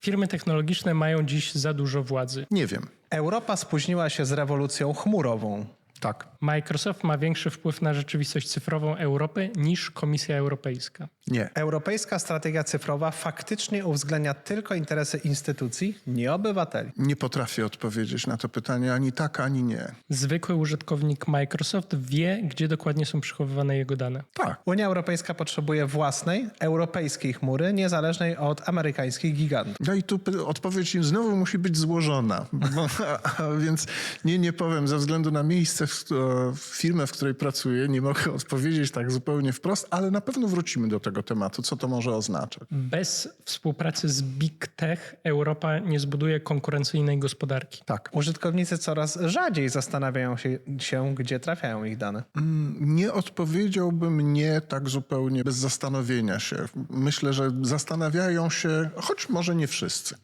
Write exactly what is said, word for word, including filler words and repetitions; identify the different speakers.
Speaker 1: Firmy technologiczne mają dziś za dużo władzy.
Speaker 2: Nie wiem.
Speaker 3: Europa spóźniła się z rewolucją chmurową.
Speaker 2: Tak.
Speaker 1: Microsoft ma większy wpływ na rzeczywistość cyfrową Europy niż Komisja Europejska.
Speaker 2: Nie.
Speaker 3: Europejska strategia cyfrowa faktycznie uwzględnia tylko interesy instytucji, nie obywateli.
Speaker 2: Nie potrafię odpowiedzieć na to pytanie ani tak, ani nie.
Speaker 1: Zwykły użytkownik Microsoft wie, gdzie dokładnie są przechowywane jego dane.
Speaker 2: Tak.
Speaker 3: Unia Europejska potrzebuje własnej, europejskiej chmury, niezależnej od amerykańskich gigantów.
Speaker 2: No i tu py- odpowiedź im znowu musi być złożona. Bo, a, a więc nie, nie powiem, ze względu na miejsce, w, w firmę, w której pracuję, nie mogę odpowiedzieć tak zupełnie wprost, ale na pewno wrócimy do tego tematu, co to może oznaczać.
Speaker 1: Bez współpracy z Big Tech Europa nie zbuduje konkurencyjnej gospodarki.
Speaker 2: Tak.
Speaker 3: Użytkownicy coraz rzadziej zastanawiają się, się, gdzie trafiają ich dane.
Speaker 2: Nie odpowiedziałbym nie tak zupełnie bez zastanowienia się. Myślę, że zastanawiają się, choć może nie wszyscy.